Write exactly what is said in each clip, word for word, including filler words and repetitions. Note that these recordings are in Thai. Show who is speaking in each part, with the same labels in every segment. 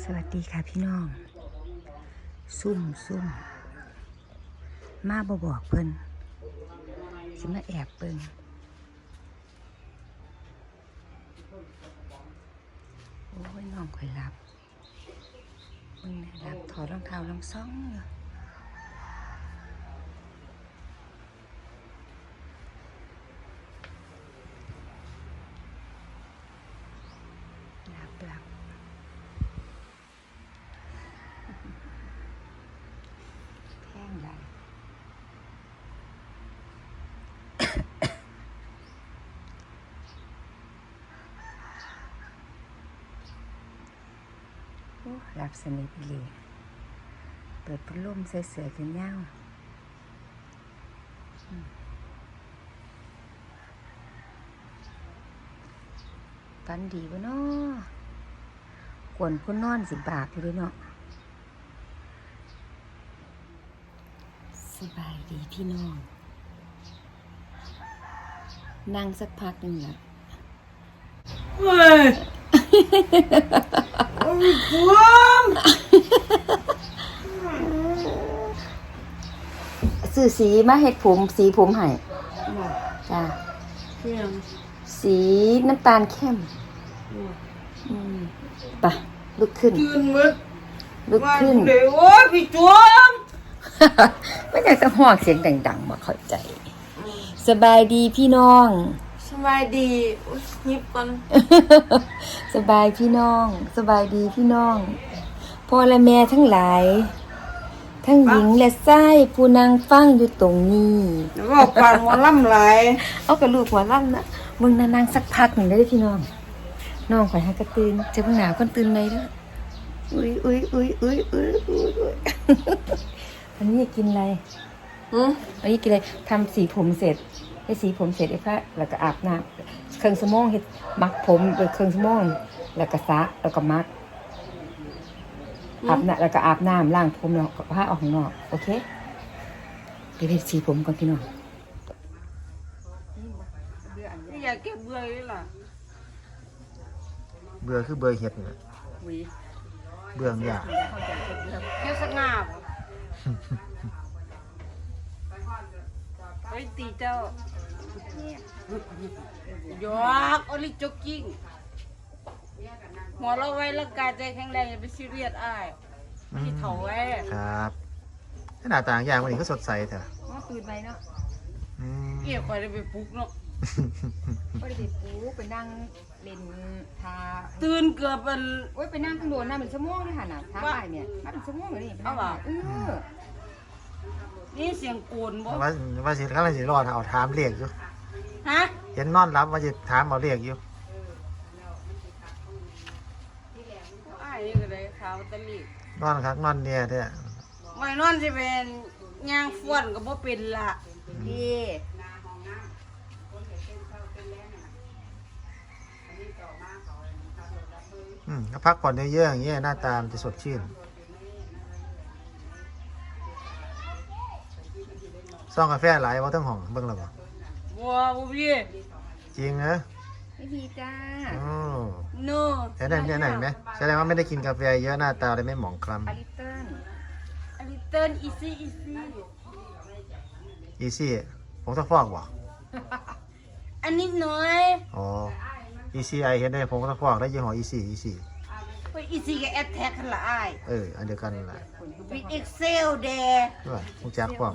Speaker 1: สวัสดีค่ะพี่น้องซุ่มซุ่มมาบอบอกเพิ่นสิมาแอบเบิ่งโอ้ยน้องค่อยรับมึงเนี่ยรับถอดรองเท้าลองซ่องอยู่รับรับแท่งใหญ่รับสนิทเลยเปิดพัดลมใส่เสื้อกันยาวฝันดีวะเนาะกวนคนนอนสิบากอยู่ด้วยเนาะสบายดีพี่น้องนั่งสักพักหนึ่งละ
Speaker 2: เฮ้ยโอ้ยผม
Speaker 1: ซื้อสีมาเฮ็ดผมสีผมให้จ้าสีน้ำตาลเข้มอืมไปลุกขึ้น
Speaker 2: ตื่นมืด
Speaker 1: ลุกขึ้น
Speaker 2: เดี๋ยวโอ้ยพี่จวม
Speaker 1: ไม่อยากจะหอกเสียงดังๆมาเข้าใจสบายดีพี่น้อง
Speaker 2: สบายดีอุ๊ยยิบก่อน
Speaker 1: สบายพี่น้องสบายดีพี่น้องพ่อและแม่ทั้งหลายทั้งหญิงและชายผู้นางฟังอยู่ตรงนี้
Speaker 2: แล้วก็ปานหัวล่ำไหล
Speaker 1: เอากระลูกหัวลั่นนะมึงนานางสักพักหนึ่งได้พี่น้องน้องข่อยหากระตื่นจะเพิ่งหนาวคนตื่นไหมเด้ออุ้ยอุ้ยอุ้ยอุ้ยอุ้ยอุ้ยอุ้ยอันนี้กินอะไร
Speaker 2: อืม
Speaker 1: อันนี้กินอะไรทำสีผมเสร็จให้สีผมเสร็จไอ้พระแล้วก็อาบน้ำเครื่องสมองเฮ็ดมักผมโดยเครื่องสมองแล้วก็สระแล้วก็มักอาบน้ำแล้วก็อาบน้ำล้างผมแล้วก็ผ้าออกข้างนอกโอเคไปเฮ็ดสีผมก่อนพี่น้อง
Speaker 2: นี่อยากเก็บเบื่อเลยล่ะ
Speaker 3: เบื่อคือเบื่อเห็ดนี่แหละเบื่ออย่าง
Speaker 2: เก็บสักงาบไปตีเจ้ายอกโอลิจ็อกกิ้งหัวเราไว้ร่างกายใจแข็งแรงอย่าไปซีเรียสอ้ายพี่เถาไว้
Speaker 3: ครับหน้าต่างอย่างวันนี้ก็สดใสเถอะ
Speaker 1: ว่าตื่นไปเนาะ
Speaker 3: อืม
Speaker 2: เกี่ยวคอยได้ไปปลุกเนาะ
Speaker 1: ก็ได้ไปปูไปนั่งเล่นทา
Speaker 2: ตื่นเกือบเป็น
Speaker 1: โอ้ยไปนั่งข้างโดนน่ะเป็นชั่วโมงเลยค่ะน่ะท้าไปเนี่ยมาเป็นชั่วโมงเลยนี่ไปนั่งเออ
Speaker 2: นี่เสียงโกนบ่
Speaker 3: ว่าว่าสิกำลังสิรอดเอาถามเรียกอยู่
Speaker 2: ฮะ
Speaker 3: เห็นนอนรับว่าสิถามเอาเรียกอยู่
Speaker 2: อ้ายนี่ก็เลยขาวตะลี
Speaker 3: นอนคักนอนเนี่ยเด้อ
Speaker 2: ไว้นอนสิเป็นย่างฟ้วนก็บ่เป็นละ
Speaker 1: ดี
Speaker 3: อืมก็พักผ่อนเยอะๆอย่างเงี้ยหน้าตามันจะสดชื่นซ่องกาแฟหลายว่าทั้งห้องเบิ่งแล้วบ่
Speaker 2: บัวบ่พี่
Speaker 3: จริงนะ
Speaker 1: ไม่ดีจ้า
Speaker 3: โอ้
Speaker 2: โน
Speaker 3: เห็นได้เห็นได้ไหมแสดงว่าไม่ได้กินกาแฟเยอะหน้าตาเลยไม่หมองคล้
Speaker 1: อลิเติ้ล
Speaker 2: อลิเติ้ลอีซี่อีซี่
Speaker 3: ำอีซี่ผมต้องฟอกบ่
Speaker 2: อันนิดหน่อย
Speaker 3: อ๋อ อีซี่ไอเห็นได้ผมก็ต้องฟอกได้ยี่ห้ออีซี่อีซี่
Speaker 2: ไปอีซี่กับแอดแท็กกันละอ้าย
Speaker 3: เอออันเดียวกันนั่นแหละ
Speaker 2: บิ๊กเอ็กเซลเด
Speaker 3: ด้วยมุกจักฟอก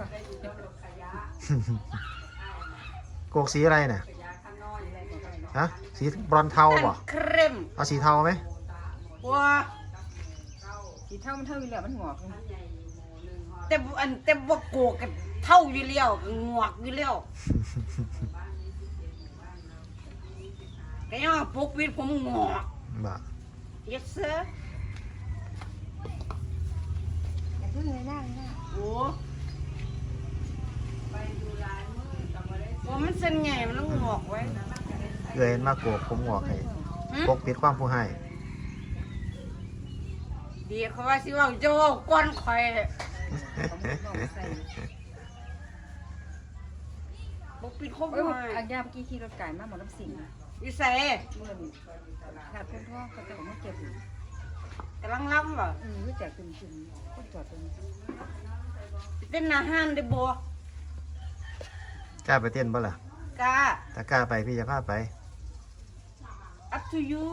Speaker 3: โกกสีอะไรเนี่ยฮะสีบรอนเทาบ่
Speaker 2: เครม
Speaker 3: เอาสีเทาไหม
Speaker 2: บัว
Speaker 1: สีเท่ามันเท่าอยู่แล้วมันงอกเลย
Speaker 2: แต่บ่อันแต่บ่โกกกันเท่าอยู่แล้วก็งวกอยู่แล้วก็ยังว่าปกปิดผมงอก
Speaker 3: บ่
Speaker 2: yes sir
Speaker 1: อย่าเพิ่งเลยหน้าเลยหน้า
Speaker 2: โอ้ว่ามันเส้นใหญ่มันต้องงอกไว้
Speaker 3: เกยเห็นมาโกกผมงอกให้ปกปิดความผู้ให้
Speaker 2: ดีเขาว่าสิว่าจะว่าก้อนข่อยปกปิดครบ
Speaker 1: เอ้ย
Speaker 2: เลย
Speaker 1: อันยาเมื่อกี้ขี่รถไก่มาหมดน้ำสิง
Speaker 2: วิสัย
Speaker 1: เมื่อนี่ขาดเพื่อนพ่อเขาจะบอกว่าเก็บอยู่
Speaker 2: กำลังล้ำบ่
Speaker 1: อืมรู้จักเป็นจริงคนจอดตรงนี้
Speaker 2: เต้นอาหารได้บ่
Speaker 3: กล้าไปเต้นบ่ล่ะ
Speaker 2: กะ
Speaker 3: ถ้ากล้าไปพี่จะพาไป
Speaker 2: up to you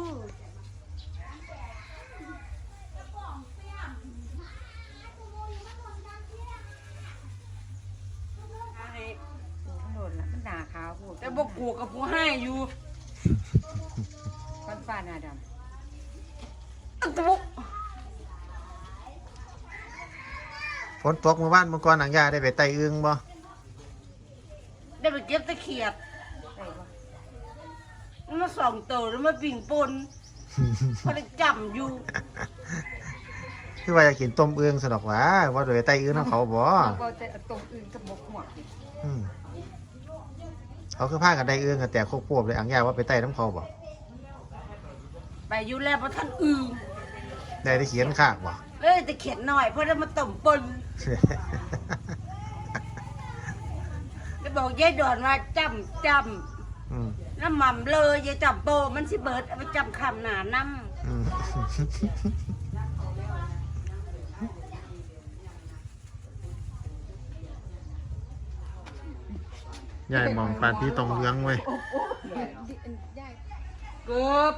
Speaker 1: โอ้มันโดนละมันด่าขาวพูด
Speaker 2: แต่บ่กลัวกับผู้ให้อยู่
Speaker 1: ฟันฟ้าหน้าด
Speaker 2: อันตะบุ
Speaker 3: ฝนตกเมื่อวานเมื่อก่อนหนังยาได้ไปไต่อึ่งบ่
Speaker 2: ได้ไปเก็บตะเขียด
Speaker 1: ำได้ปะ
Speaker 2: มันมาส่องโตแล้วมาปิ่งปนพอได้จำอยู่
Speaker 3: คือว่าจะกินต้มอึ่งสนอกหว่าว่าโดยไต่อึ่งน้ำเขาบ่
Speaker 1: เราก็จะตรงอื่นกับบกหมวกดิ
Speaker 3: อืมเขาคือพากันได้อึ่งกันแต่โคกพวบเลยอังยาว่าไปไต่น้ำเขาบ่
Speaker 2: ไปอยู่แล้วเพราะท่านอื่น
Speaker 3: ได้ได้เขียนข้างบ่
Speaker 2: เลยแต่เขียนหน่อยเพราะได้มาต้มปนได้บอกยายดอนว่าจำจ
Speaker 3: อืม
Speaker 2: ำน้ำหม่ำเลยยายจำโปมันสิเบิดเอาไปจำคำหนาน้
Speaker 3: อืมยายมองปานพี่ตรงเลื้องไว้ย
Speaker 2: ำเกือบ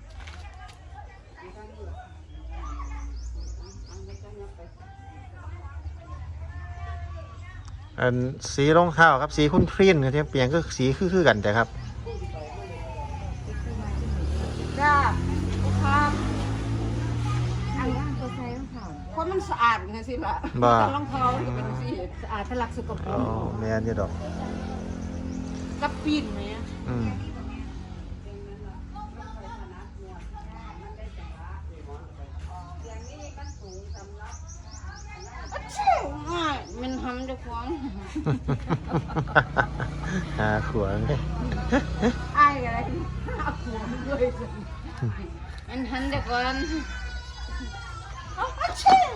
Speaker 3: อันสีรองเท้าครับสีคุ้นครีนเนี่ยเปลี่ยนก็สีคือๆกันแต่ครับ
Speaker 2: จ้าครับ
Speaker 1: อันว่างตัวใส่รองเท้า
Speaker 2: คนมันสะอาดไงสิล่ะ
Speaker 3: บ่
Speaker 2: รองเท้าจะเป็นสี
Speaker 1: สะอาดทะลักสกปร
Speaker 3: อ๋อก แม่นอยู่ดอก
Speaker 2: กับปีนไหม
Speaker 3: อืม
Speaker 2: ง่ายมันทำด้วยความ
Speaker 3: หาขวางเลย
Speaker 2: อายอะไรเอาหัวมันด้วยมันทำด้วยความเอาเอาเชี่ย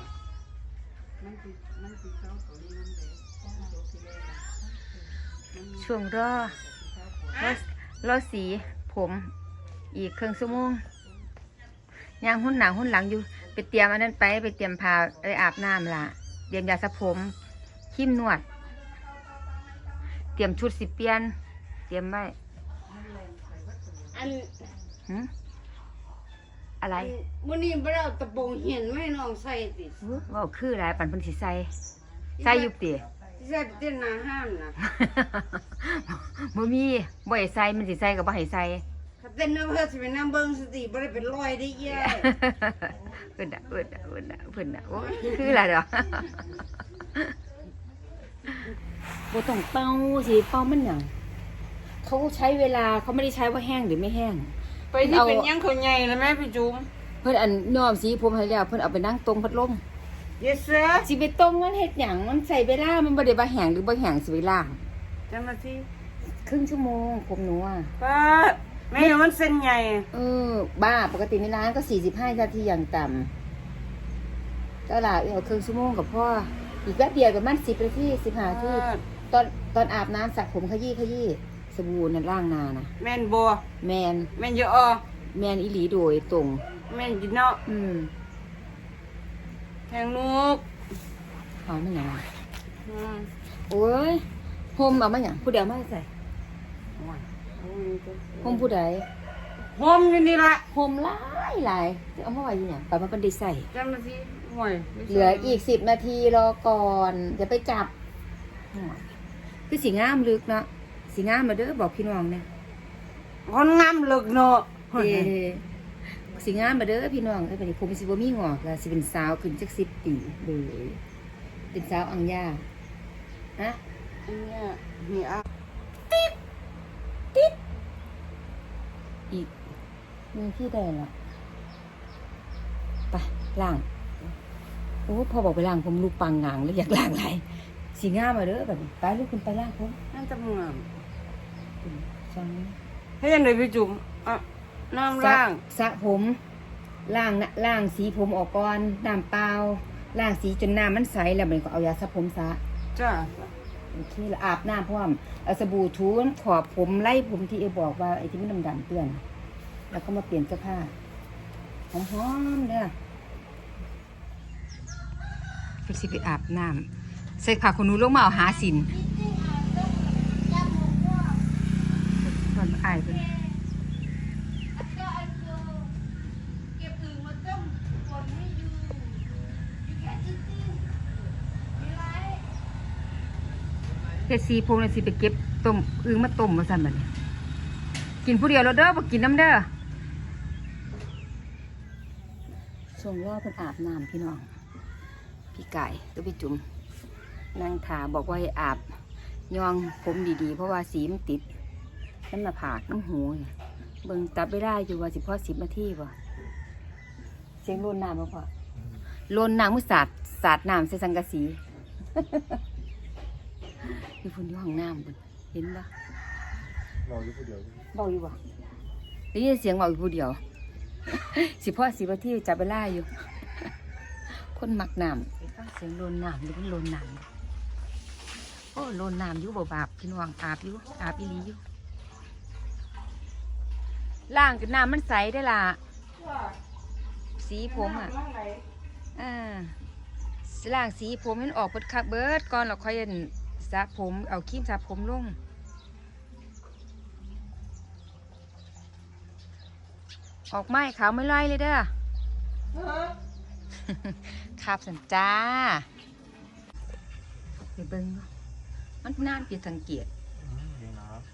Speaker 1: ช่วงรอรอรอสีผม อีกครึ่งชั่วโมงย่างหุ่นหนาหุ่นหลังอยู่ ไปเตรียมอันนั้นไปไปเตรียมผ้าไปอาบน้ำล่ะเตรียมยาสระผมครีมนวด เตรียมชุดสิเปลี่ยน เตรียมไว้
Speaker 2: อัน
Speaker 1: หึอะไร
Speaker 2: วันนี้เราเอาตะบงเห็นไหมน้องใส่ติ
Speaker 1: อุ๊ยเว่าคืออะไรปันเพันสิใส่ใส่อยุบตี
Speaker 2: ใส่ไปเต้นหนาห้ามนะ
Speaker 1: บ่มีบ่ให้ใส่มันสิใส่กับบ่ให้ใส่
Speaker 2: ถ้าเต้นน้ำเพื่อสิเป็นน้ำเบิ้งสติบ่ได้เป็นรอยได้เย่
Speaker 1: เพิ่นน่ะเพิ่นน่ะเพิ่นน่ะเพิ่นน่ะโอ้ยคืออะไรดอกบ่ต้องเป่าสิเป่ามันหยังเขาใช้เวลาเขาไม่ได้ใช้ว่าแห้งหรือไม่แห้ง
Speaker 2: ไปที่เป็นยังเขาใหญ่แล้วแม่พี่จุ๋ม
Speaker 1: เพิ่นอันย้อมสีผมให้แล้วเพิ่นเอาไปนั่งตรงพัดลม
Speaker 2: เยสเสือ
Speaker 1: สิไปตรงมันเฮ็ดหยังมันใส่เวลามันบ่ได้ว่าแห้งหรือบ่แห้งสิเวลา
Speaker 2: จังมาที่
Speaker 1: ครึ่งชั่วโมงผมหนูอ่ะ
Speaker 2: ป้าแม่มันเส้นใหญ่
Speaker 1: เออบ้าปกติในร้านก็สี่สิบห้านาทีอย่างต่ำก็ล่ะเอาครึ่งชั่วโมงกับพ่ออีกแป๊บเดียวกับมันสิบนาทีสิบห้านาทีตอนตอนอาบน้ำสระผมขยี้ขยี้สบู่นั่นล่างนานะ
Speaker 2: แม่นบัว
Speaker 1: แมน
Speaker 2: แม่นเยอะอ
Speaker 1: แมนอีหลีโดยตรง
Speaker 2: แม่นจีเนาะ
Speaker 1: อืม
Speaker 2: แทงลูก
Speaker 1: หอมมันหยัง
Speaker 2: อืม
Speaker 1: โอ้ยโฮมเอามาหยังผู้เดียวมาใส่โฮมผู้ใด
Speaker 2: หอมอยู่นี่ละ
Speaker 1: โฮมหลายหลายเอามาไว้อยังไปมาเป็นได้ใส่
Speaker 2: จังมาที่ห่วย
Speaker 1: เหลืออีกสิบนาทีรอก่อนจะไปจับคือสีงามลึกเนาะสีงามมาเด้อบอกพี่น้องเนี่ย
Speaker 2: คนงามเลิกเนาะ
Speaker 1: เด้สีงามมาเด้อพี่น้องไอ้ปนี้ผมสิบ่มีงอกแล้วสิเป็นสาวขึ้นจักสิบปีเลยเป็นสาวอังยาฮะ
Speaker 2: อันเนี้ยนี่อ่ะ
Speaker 1: อีกมีที่ใดล่ะไปล้างโอ้พอบอกไปล้างผมลูกปังงางแล้วอยากล้างไรสีงามมาเด้อแบบนี้ไปลูกคุณไปล้างผม
Speaker 2: นั่นจะเมือง
Speaker 1: จัง
Speaker 2: ให้ยังไงพี่จุ๋มอ่ะน้ำล่าง
Speaker 1: สระผมล้างนะล้างสีผมออกก่อนน้ำเปล่าล้างสีจนน้ำมันใสแล้วมันก็เอายาสระผมสระ
Speaker 2: จ้า
Speaker 1: โอเคแล้วอาบน้ำพร้อมเอาสบู่ทูนขอบผมไล่ผมที่เอบอกว่าไอ้ที่มันดำๆเปื้อนแล้วก็มาเปลี่ยนเสื้อผ้าหอมๆเด้อเพิ่นสิไปอาบน้ำใส่ผ้าขนหนูลงมาเอาหาสินตอนอายเพิ่น
Speaker 2: เก็บอึ่งมาต้มฝนไม่อยู่อยู่แค่ตื้อๆมีไร
Speaker 1: เฮ็ดสีพงน่ะสิไปเก็บต้มอึ่งมาต้มว่าซั่นบัดนี้กินผู้เดียวแล้วเด้อบ่กินน้ำเด้อช่วงรอเพิ่นอาบน้ำพี่น้องพี่ไก่ตัวพี่จุ๋มนางถาบอกว่าให้อาบยองผมดีๆเพราะว่าสีมันติดน้ำหน้าผากน้ำหูนี่เบิ่งตับไม่ได้อยู่ว่าสิพอสิบนาทีป่ะเสียงโลนน้ำบ่พอโลนน้ำมือสาดสาดน้ำใส่สังกะสี อยู่พุ่นอยู่ห้องน้ำพุ่นเห็นปะ
Speaker 3: เราอยู่ผู้เดียว
Speaker 1: เบาอยู่บ่ได้ยินเสียงเบาอยู่ผู้เดียว สิพอสิบนาทีจับเวลาอยู่ คนมักน้ำไปฟังเสียงโลนน้ำหรือเป็นโลนน้ำโอ้โลนน้ำอยู่บ่บาปพี่น้องอาบอยู่อาบอีหลีอยู่ล่างกับน้ำมันใสได้ล่ะสีผมอ่ะอ่าล่างสีผมมันออกเบิดคักเบิดก่อนเราค่อยสระผมเอาครีมสระผมลงออกไม้ขาวไม่ไล่เลยเด้อ ครับสันจ้าไปเบิ้งเนาะมันน่าผิดสังเกต
Speaker 3: นี่นะครับ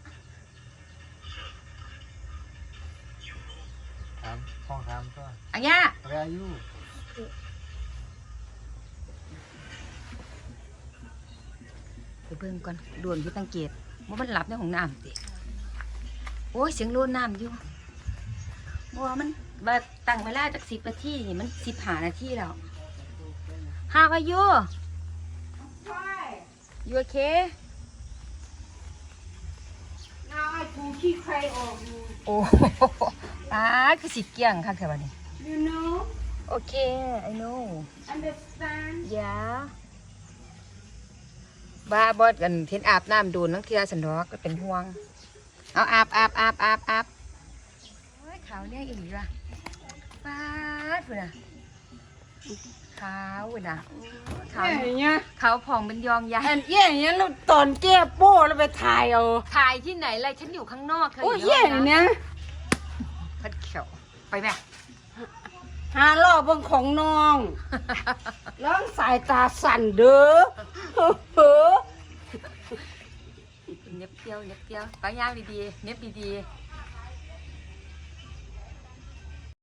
Speaker 3: ถามห้องถามก็
Speaker 1: อันยา
Speaker 3: อะไรอายุ
Speaker 1: ไปเบิ้งก่อนด่วนผิดสังเกตว่ามันหลับในห้องน้ำสิโอ้ยเสียงโลนน้ำอยู่ว่ามันมาตั้งเวลาจากสิบนาทีนี่มันสิบห้านาทีแล้ว How are you you okay
Speaker 2: now I ถูขี้ใครออกอยู่
Speaker 1: โอ้ อ่าคือสิเกี่ยงค่ะแค่วันนี้
Speaker 2: you know
Speaker 1: โอเค I know
Speaker 2: understand
Speaker 1: yeah บ้าบอดกันเทนอาบน้ำโดนนังเทียสันดอกก็เป็นห่วง เอาอาบอาบอาบอาบอาบโอ้ยขาวเนี่ยอีหลีว่ะป้าดเว้ยนะขาวเว้ยนะขาว
Speaker 2: เย่เนี้ย
Speaker 1: ขาวผ่องเป็นยองยา
Speaker 2: อันเย่เนี้ยเราตอนแก้โป้เราไปถ่ายเอา
Speaker 1: ถ่ายที่ไหนเลยฉันอยู่ข้างนอกเธอ
Speaker 2: โอ้ย
Speaker 1: อยู่
Speaker 2: เย่
Speaker 1: ในห้อง
Speaker 2: เนี้ย
Speaker 1: น้ำพัดเขียวไปแม่
Speaker 2: หารอบเบางของน้อง ร้องสายตาสั่นเด้อเฮ้อ
Speaker 1: เน็บเที่ยวเน็บเที่ยวไปย่างดีๆเน็บดีๆ